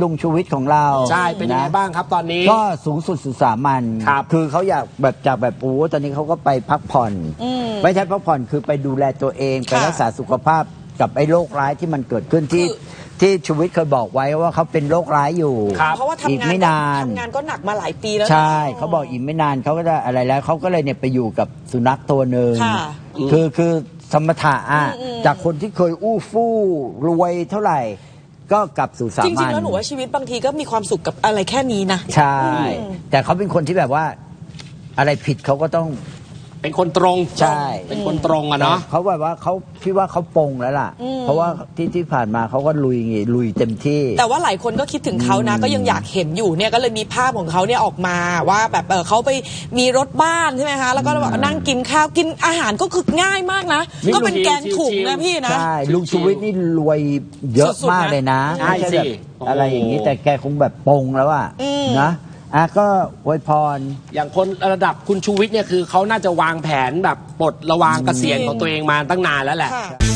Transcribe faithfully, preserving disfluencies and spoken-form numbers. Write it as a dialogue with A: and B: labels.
A: ลุงชูวิทย์ของเรา
B: ใช่เป็นยังไงบ้างครับตอนนี้
A: ก็สูงสุดสุดสามัญคือเขาอยากแบบจากแบบโอ้ตอนนี้เขาก็ไปพักผ่อนไม่ใช่พักผ่อนคือไปดูแลตัวเองไปรักษาสุขภาพกับไอ้โรคร้ายที่มันเกิดขึ้นที่ที่ชูวิทย์เคยบอกไว้ว่าเขาเป็นโรคร้ายอยู่
C: เพราะว่าทำงานไม่นานทำงานก็หนักมาหลายปีแล้ว
A: ใช่เขาบอกอีกไม่นานเขาก็จะอะไรแล้วเขาก็เลยเนี่ยไปอยู่กับสุนัขตัวหนึ่งคือคือสมถะอ่ะจากคนที่เคยอู้ฟู่รวยเท่าไหร่ก็กลับสู่สามัญจ
C: ริงๆแล้วหนูว่าชีวิตบางทีก็มีความสุขกับอะไรแค่นี้นะ
A: ใช่แต่เขาเป็นคนที่แบบว่าอะไรผิดเขาก็ต้อง
B: เป็นคนตรง
A: ใช่
B: เป็นคนตรงอะเนาะ
A: เขาแบบว่าเขาพี่ว่าเขาปงแล้วล่ะเพราะว่าที่ที่ผ่านมาเขาก็ลุยไงลุยเต็มที่
C: แต่ว่าหลายคนก็คิดถึงเขานะก็ยังอยากเห็นอยู่เนี่ยก็เลยมีภาพของเขาเนี่ยออกมาว่าแบบเออเขาไปมีรถบ้านใช่ไหมคะแล้วก็นั่งกินข้าวกินอาหารก็คือง่ายมากนะก็เป็นแกงถุงนะพี่นะ
A: ใช่ลุงชูวิทย์นี่รวยเยอะมากเลยนะ
B: ใช่สิ
A: อะไรอย่างนี้แต่แกคงแบบปงแล้วอะนะอ่ะก็อวยพร
B: อย่างคนระดับคุณชูวิทย์เนี่ยคือเขาน่าจะวางแผนแบบปลดระวางเกษียณของตัวเองมาตั้งนานแล้วแหละ